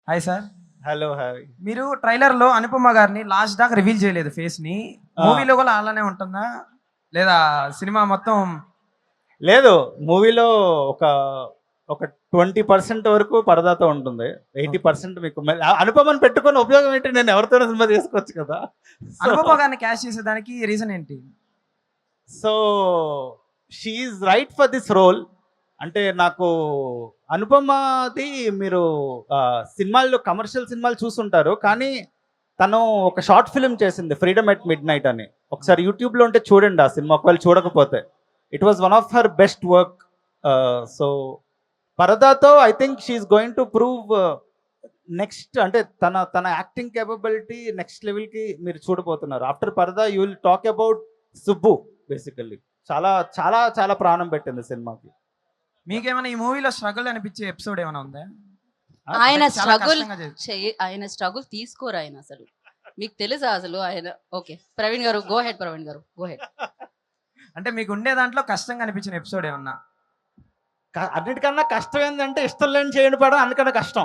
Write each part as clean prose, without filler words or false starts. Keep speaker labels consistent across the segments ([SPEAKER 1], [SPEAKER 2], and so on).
[SPEAKER 1] Hi sir.
[SPEAKER 2] Hello hi.
[SPEAKER 1] మీరు ట్రైలర్‌లో అనుపమ గారిని లాస్ట్ దాకా రివీల్ చేయలేదు ఫేస్‌ని. మూవీలో కూడా అలానే ఉంటుందా? లేదా సినిమా మొత్తం
[SPEAKER 2] లేదు, మూవీలో ఒక ఒక 20% వరకు పరదాతో ఉంటుంది. 80% మీకు అనుపమని పెట్టుకొని ఉపయోగం ఏంటి? నేను ఎవరితోనో సినిమా చేసుకోవచ్చు కదా.
[SPEAKER 1] అనుపమ గారిని క్యాస్ట్ చేసేదానికి రీజన్ ఏంటి?
[SPEAKER 2] So she is right for this role. అంటే నాకు అనుపమది మీరు సినిమాల్లో కమర్షియల్ సినిమాలు చూసుంటారు, కానీ తను ఒక షార్ట్ ఫిల్మ్ చేసింది ఫ్రీడమ్ ఎట్ మిడ్ నైట్ అని. ఒకసారి యూట్యూబ్లో ఉంటే చూడండి ఆ సినిమా, ఒకవేళ చూడకపోతే. It was one of her best work. So పరదాతో I think she's going to prove next, అంటే తన యాక్టింగ్ కేపబిలిటీ నెక్స్ట్ లెవెల్కి మీరు చూడబోతున్నారు. After Paradha you will talk about Subbu. Basically చాలా చాలా చాలా ప్రాణం పెట్టింది సినిమాకి.
[SPEAKER 1] మీకేమైనా ఈ మూవీలో స్ట్రగుల్ అనిపించే ఎపిసోడ్ ఏమైనా ఉందా?
[SPEAKER 3] ఆయన
[SPEAKER 1] చాలా
[SPEAKER 3] స్ట్రగుల్
[SPEAKER 1] కష్టంగా చేసి-
[SPEAKER 3] ఆయన స్ట్రగుల్ తీసుకోరు ఆయన అసలు. మీకు తెలుసా అసలు ఆయన? ఓకే ప్రవీణ్ గారు గో హెడ్. ప్రవీణ్ గారు గో హెడ్.
[SPEAKER 1] అంటే మీకు ఉండే దాంట్లో కష్టంగా అనిపించిన ఎపిసోడ్ ఏమన్నా?
[SPEAKER 2] అన్నిటికన్నా కష్టం ఏంటంటే ఇష్టం లేని చేయని పడం అందుకన్నా కష్టం.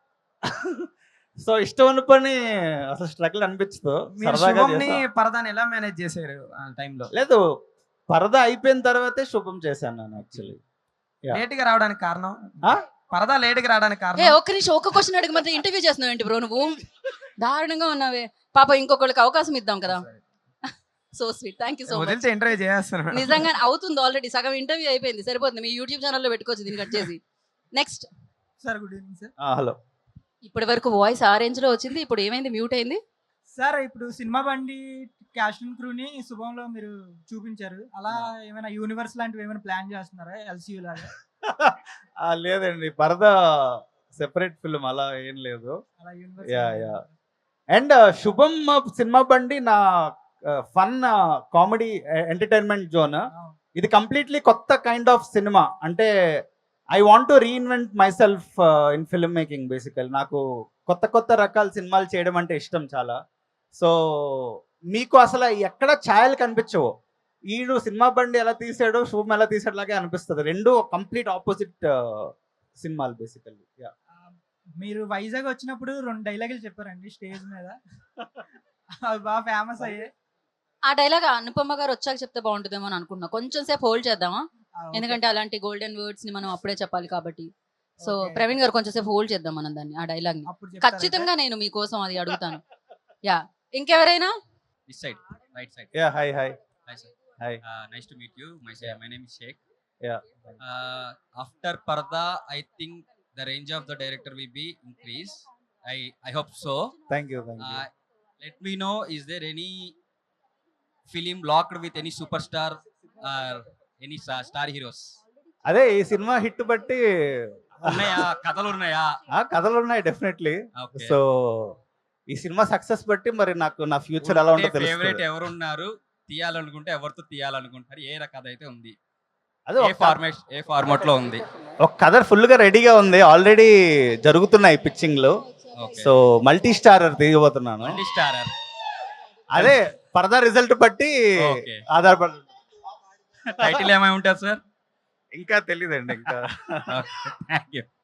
[SPEAKER 2] సో ఇష్టం ఉన్న పని అసలు స్ట్రగుల్ అనిపించదు.
[SPEAKER 1] మీరు
[SPEAKER 2] సరదాగా
[SPEAKER 1] శుభంని
[SPEAKER 2] చేసా.
[SPEAKER 1] పరదాని ఎలా మేనేజ్ చేశారు ఆ టైంలో?
[SPEAKER 2] లేదు, పరదా అయిపోయిన తర్వాతే శుభం చేశాను నేను యాక్చువల్లీ.
[SPEAKER 1] లేట్ గా రావడానికి కారణం?
[SPEAKER 2] ఆ?
[SPEAKER 1] పరదా లేట్ గా రావడానికి
[SPEAKER 3] ఏ
[SPEAKER 1] కారణం?
[SPEAKER 3] ఒక్క నిమిషం, ఒక్క క్వశ్చన్ అడిగి మాత్రం ఇంటర్వ్యూ చేస్తున్నావు ఏంటి బ్రో నువ్వు? దారుణంగా ఉన్నావే. పాప ఇంకొకళ్ళకి అవకాశం ఇద్దాం కదా. So sweet, thank you so much.
[SPEAKER 1] వదిలితే ఇంటర్వ్యూ చేస్తాను.
[SPEAKER 3] నిజంగా అవుతుంది, ఆల్రెడీ సగం ఇంటర్వ్యూ అయిపోయింది, సరిపోతుంది. మీ యూట్యూబ్ ఛానల్లో పెట్టుకోవచ్చు దీన్ని కట్ చేసి. Next.
[SPEAKER 1] Sir good evening sir.
[SPEAKER 2] Hello.
[SPEAKER 3] ఇప్పటి వరకు వాయిస్ ఆ రేంజ్ లో వచ్చింది, ఇప్పుడు ఏమైంది? మ్యూట్ అయింది.
[SPEAKER 4] సార్ ఇప్పుడు సినిమా బండి క్యాస్ట్ అండ్ క్రూని శుభంలో మీరు చూపించారు. అలా ఏమైనా యూనివర్స్ లాంటివి ఏమైనా ప్లాన్ చేస్తున్నారా ఎల్సీయూ లాగా?
[SPEAKER 2] లేదండి, పరదా సెపరేట్ ఫిల్మ్ అలా ఏం లేదు.
[SPEAKER 4] అలా universe
[SPEAKER 2] ya ya. And Subham సినిమా బండి నా ఫన్ కామెడీ ఎంటర్టైన్మెంట్ జోన్. ఇది కంప్లీట్లీ కొత్త కైండ్ ఆఫ్ సినిమా. అంటే I want to reinvent myself in filmmaking. Basically నాకు కొత్త కొత్త రకాల సినిమాలు చేయడం అంటే ఇష్టం చాలా. సో మీకు అసలు ఎక్కడ ఛాయలు కనిపించవు. ఈడు సినిమా బండి ఎలా తీసాడో శుభం ఎలా తీసాడు లాగే అనిపిస్తుంది. రెండు కంప్లీట్ ఆపోజిట్ సినిమాలు బేసికల్లీ. యా.
[SPEAKER 4] మీరు వైజాగ్ వచ్చినప్పుడు 2 డైలాగులు చెప్పారండి స్టేజ్ మీద. అవి బాగా ఫేమస్ అయ్యాయి.
[SPEAKER 3] ఆ డైలాగ్ అనుపమ గారు వచ్చాక చెప్తే బాగుంటుందేమో అని అనుకుంటున్నా. కొంచెం సేపు హోల్డ్ చేద్దామా?
[SPEAKER 4] ఓకే.
[SPEAKER 3] ఎందుకంటే అలాంటి గోల్డెన్ వర్డ్స్ ని మనం అప్పుడే చెప్పాలి కాబట్టి. So
[SPEAKER 4] okay.
[SPEAKER 3] ప్రవీణ్ గారు కొంచెం సేపు హోల్డ్ చేద్దాం మనం దాన్ని, ఆ డైలాగ్ ని.
[SPEAKER 4] అప్పుడు చెప్తారా
[SPEAKER 3] ఖచ్చితంగా నేను మీకోసం అది అడుగుతాను. యా. ఇంకెవరైనా?
[SPEAKER 5] This side, right side.
[SPEAKER 2] Ya. Hi hi
[SPEAKER 5] Hi, sir.
[SPEAKER 2] Hi.
[SPEAKER 5] Nice to meet you. My name is Sheikh.
[SPEAKER 2] Yeah.
[SPEAKER 5] After Parda, I think the range of the director will be increased. I hope so.
[SPEAKER 2] Thank you. Thank you.
[SPEAKER 5] Let me know, is there any film locked with any superstar or any star heroes?
[SPEAKER 2] అదే ఈ cinema hit బట్టి
[SPEAKER 5] ఉన్నాయా? కథలు ఉన్నాయా?
[SPEAKER 2] కథలు ఉన్నాయి definitely.
[SPEAKER 5] Okay.
[SPEAKER 2] So ఈ సినిమా సక్సెస్ బట్టి మరి నాకు నా ఫ్యూచర్ ఎలా ఉంటుందో
[SPEAKER 5] ఫేవరెట్
[SPEAKER 2] తెలుస్తుంది.
[SPEAKER 5] ఎవరున్నారు? తీయాలనుకుంటే ఎవరితో తీయాలనుకుంటారు? ఏ కథ అయితే ఉంది?
[SPEAKER 2] అదే
[SPEAKER 5] ఏ ఫార్మాట్ లో ఉంది?
[SPEAKER 2] ఒక కథ ఫుల్ గా రెడీగా ఉంది, ఆల్రెడీ జరుగుతున్నాయి పిచ్చింగ్లు.
[SPEAKER 5] Okay.
[SPEAKER 2] సో మల్టీ స్టారర్ తీయబోతున్నాను.
[SPEAKER 5] Multi starrer.
[SPEAKER 2] అదే పరదా రిజల్ట్ బట్టి
[SPEAKER 5] Okay.
[SPEAKER 2] ఆధారపడి.
[SPEAKER 5] టైటిల్ ఏమై ఉంటుంది సార్?
[SPEAKER 2] ఇంకా తెలియదండి ఇంకా.
[SPEAKER 5] Thank you.